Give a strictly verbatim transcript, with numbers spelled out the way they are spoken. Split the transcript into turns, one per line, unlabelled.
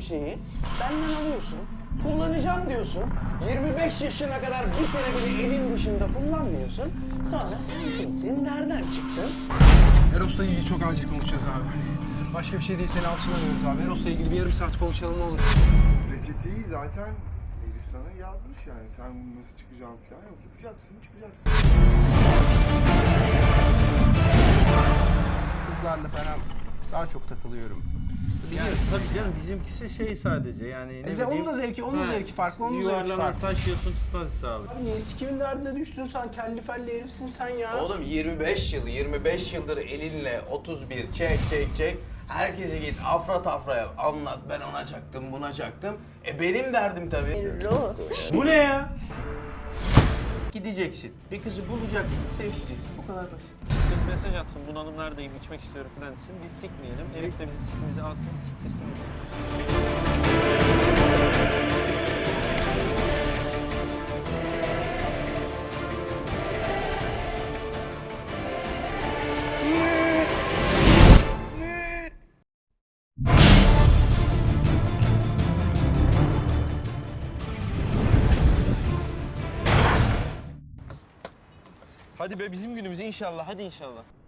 şeyi benden alıyorsun, kullanacağım diyorsun. yirmi beş yaşına kadar bir kere bile elin dışında kullanmıyorsun. Sonra sen kimsin, nereden çıktın?
Eros'la ilgili çok acil konuşacağız abi. Hani başka bir şey değil, seni alçılamıyoruz abi. Eros'la ilgili bir yarım saat konuşalım, ne olur.
Reçeteyi zaten Elif sana yazmış yani. Sen bunu nasıl çıkacağını falan yok. Yapacaksın, çıkacaksın.
Kızlarla falan daha çok takılıyorum.
Yani tabii canım, bizimkisi şey sadece yani ne
E de
bileyim.
onun da zevki, onun da zevki farklı, onun da zevki
Yuvarlanan
farklı.
taş yiyorsun, tutmaz hesabı.
Abi niye sikimin derdine düştün sen? Kelli felli herifsin sen ya.
Oğlum yirmi beş yıl, yirmi beş yıldır elinle otuz bir çek çek çek. Herkese git afra tafraya anlat, ben ona çaktım buna çaktım. E benim derdim tabii.
Roz.
Bu ne ya? Gideceksin, bir kızı bulacaksın, sevişeceksin. Bu kadar basit.
Kız mesaj atsın, bunalım neredeyim, içmek istiyorum falan desin. Biz sikmeyelim, herif de bizim sikimizi alsın, siktirsin gitsin. Hadi be, bizim günümüz inşallah, hadi inşallah.